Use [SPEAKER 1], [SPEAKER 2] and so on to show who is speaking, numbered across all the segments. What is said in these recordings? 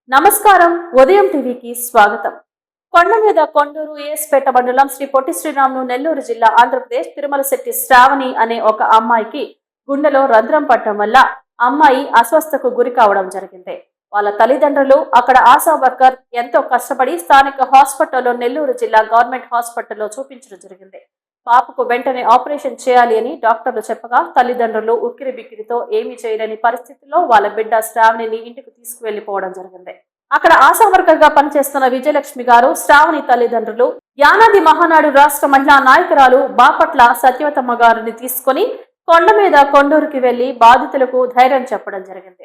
[SPEAKER 1] నమస్కారం. ఉదయం టీవీకి స్వాగతం. కొండ మీద కొండూరు ఏఎస్పేట మండలం శ్రీ పొట్టి శ్రీరాములు నెల్లూరు జిల్లా ఆంధ్రప్రదేశ్ తిరుమలశెట్టి శ్రావణి అనే ఒక అమ్మాయికి గుండెలో రంధ్రం పట్టడం వల్ల అమ్మాయి అస్వస్థకు గురి కావడం జరిగింది. వాళ్ళ తల్లిదండ్రులు అక్కడ ఆశా వర్కర్ ఎంతో కష్టపడి స్థానిక హాస్పిటల్లో నెల్లూరు జిల్లా గవర్నమెంట్ హాస్పిటల్లో చూపించడం జరిగింది. పాపకు వెంటనే ఆపరేషన్ చేయాలి అని డాక్టర్లు చెప్పగా తల్లిదండ్రులు ఉక్కిరి బిక్కిరితో ఏమీ చేయలేని పరిస్థితిలో వాళ్ళ బిడ్డ శ్రావణిని ఇంటికి తీసుకువెళ్లిపోవడం జరిగింది. అక్కడ ఆశా వర్కర్ గా పనిచేస్తున్న విజయలక్ష్మి గారు, శ్రావణి తల్లిదండ్రులు యానాది మహానాడు రాష్ట్ర మహిళా నాయకురాలు బాపట్ల సత్యవతమ్మ గారిని తీసుకుని కొండ మీద కొండూరుకి వెళ్లి బాధితులకు ధైర్యం చెప్పడం జరిగింది.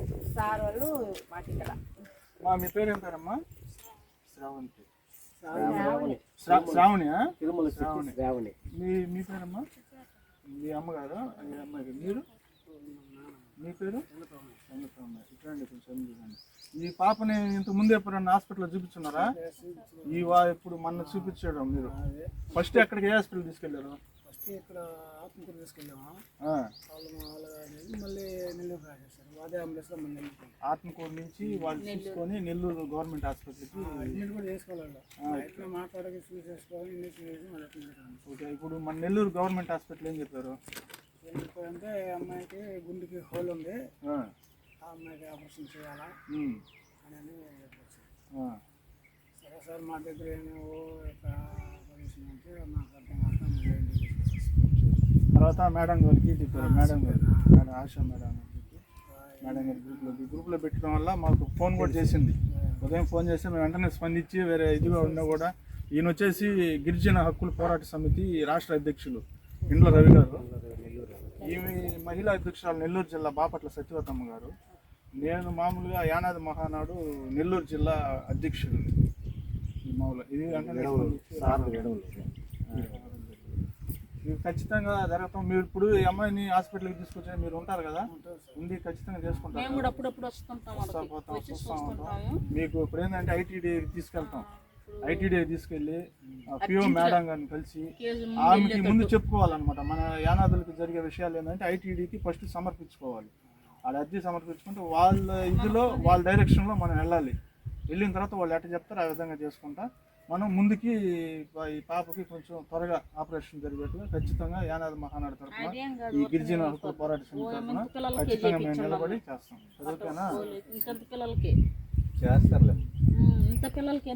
[SPEAKER 2] శ్రావణి శ్రావణి మీ పేరమ్మా? మీ అమ్మగారు అమ్మాయి మీరు మీ పేరు ఇట్లాండి కొంచెం చూడండి. ఈ పాపని ఇంత ముందు ఎప్పుడన్నా హాస్పిటల్లో చూపించున్నారా? ఇప్పుడు మొన్న చూపించడం మీరు ఫస్ట్ ఎక్కడికి ఏ హాస్పిటల్ తీసుకెళ్లారు?
[SPEAKER 3] ఇక్కడ ఆత్మకూరు తీసుకెళ్ళాము. మళ్ళీ నెల్లూరు రాసేసారు. అదే అంబులెన్స్లో మన
[SPEAKER 2] ఆత్మకూరు నుంచి వాళ్ళు తీసుకొని నెల్లూరు గవర్నమెంట్ హాస్పిటల్కి
[SPEAKER 3] అడ్మిట్ కూడా చేసుకోవాలి. ఇట్లా మాట్లాడక చూసేసుకోవాలి.
[SPEAKER 2] ఓకే, ఇప్పుడు మన నెల్లూరు గవర్నమెంట్ హాస్పిటల్ ఏం చెప్పారు?
[SPEAKER 3] ఏం చెప్పారంటే అమ్మాయికి గుండెకి హోల్ ఉంది, ఆ అమ్మాయికి ఆపరేషన్ చేయాలా అని చెప్పచ్చు. సరే సార్, మా దగ్గర ఏమో ఆపరేషన్ అంటే మాకు అర్థం కాక
[SPEAKER 2] తర్వాత మేడం గారికి చెప్పారు. మేడం ఆశా మేడం గ్రూప్లో పెట్టడం వల్ల మాకు ఫోన్ కూడా చేసింది. ఉదయం ఫోన్ చేస్తే మేము వెంటనే స్పందించి వేరే ఇదిగా ఉన్నా కూడా ఈయన వచ్చేసి గిరిజన హక్కుల పోరాట సమితి రాష్ట్ర అధ్యక్షులు ఇండ్ల రవి గారు, ఈమె మహిళా అధ్యక్షురాలు నెల్లూరు జిల్లా బాపట్ల సత్యవతమ్మ గారు, నేను మామూలుగా యానాది మహానాడు నెల్లూరు జిల్లా అధ్యక్షుడు. మామూలుగా ఇది వెంటనే ఇది ఖచ్చితంగా జరగతాం. మీరు ఇప్పుడు ఈ అమ్మాయిని హాస్పిటల్కి తీసుకొచ్చా మీరు ఉంటారు కదా, ఉండి ఖచ్చితంగా చేసుకుంటాం. చూస్తూ ఉంటాం. మీకు ఇప్పుడు ఏంటంటే ఐటీడీ తీసుకెళ్తాం. ఐటీడీ తీసుకెళ్ళి పిఓ మేడం గారిని కలిసి ఆమెకి ముందు చెప్పుకోవాలన్నమాట. మన యానాదులకు జరిగే విషయాలు ఏంటంటే ఐటీడీకి ఫస్ట్ సమర్పించుకోవాలి. వాళ్ళ అర్జీ సమర్పించుకుంటే వాళ్ళ ఇదిలో వాళ్ళ డైరెక్షన్లో మనం వెళ్ళాలి. వెళ్ళిన తర్వాత వాళ్ళు ఎట్లా చెప్తారో ఆ విధంగా చేసుకుంటా మనం ముందుకి ఈ పాపకి కొంచెం త్వరగా ఆపరేషన్ జరిగేట్టుగా ఖచ్చితంగా యానాది మహానాడు తరఫున ఈ గిరిజన హక్కుల పోరాట సమితి తరఫున ఖచ్చితంగా మేము నిలబడి చేస్తాం. చదువుకేనా
[SPEAKER 4] చేస్తారులే.